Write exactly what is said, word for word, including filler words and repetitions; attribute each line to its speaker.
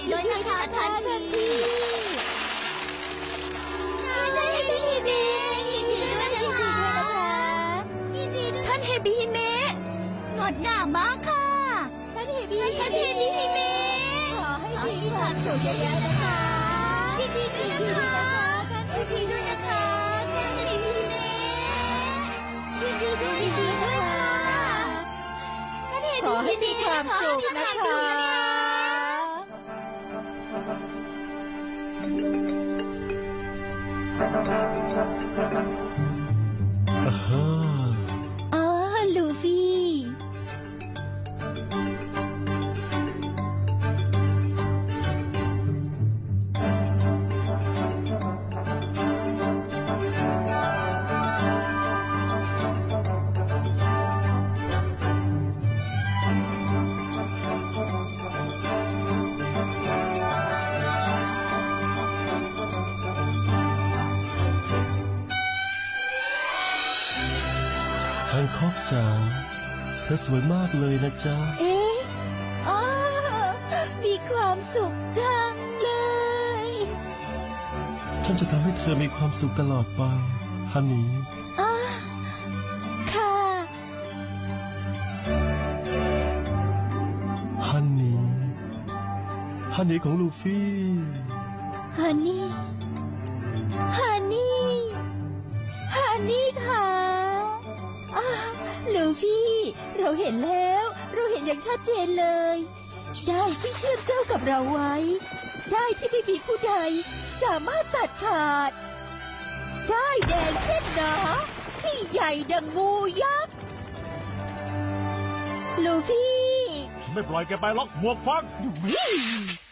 Speaker 1: ด้วยนะคะท่านพี่ท่านเฮบิฮิเมะยินดีด้วยนะคะยินดีด้วยท่านเฮบิฮิเมะงดงามมากค่ะท่านเฮบิท่านเฮบิฮิเมะขอให้มีความสุขเยอะๆนะคะยินดีด้วยนะคะท่านเฮบิด้วยนะคะท่านเฮบิฮิเมะยินดีด้วยนะคะขอให้มีความสุขนะคะ
Speaker 2: อ่าฮะ
Speaker 1: อ๋อลูฟี่
Speaker 2: แฮนค็อกจ๋าเธอสวยมากเลยนะจ๊ะ
Speaker 1: เอ๊ะอ๋อมีความสุขจังเลย
Speaker 2: ฉันจะทำให้เธอมีความสุขตลอดไปฮันนี่
Speaker 1: อ๋อค่ะ
Speaker 2: ฮันนี่ฮันนี่ของลูฟี่
Speaker 1: ฮันนี่ฮันนี่ฮันนี่ค่ะอ้าลูฟี่ เราเห็นแล้ว เราเห็นอย่างชัดเจนเลย ได้ที่เชื่อมเจ้ากับเราไว้ ได้ที่ไม่มีผู้ใดสามารถตัดขาด ได้แดนเส้นหนาที่ใหญ่ดังงูยักษ์ ลูฟี่
Speaker 3: ฉันไม่ปล่อยแกไปหรอกหมวกฟัง
Speaker 1: วิ่ง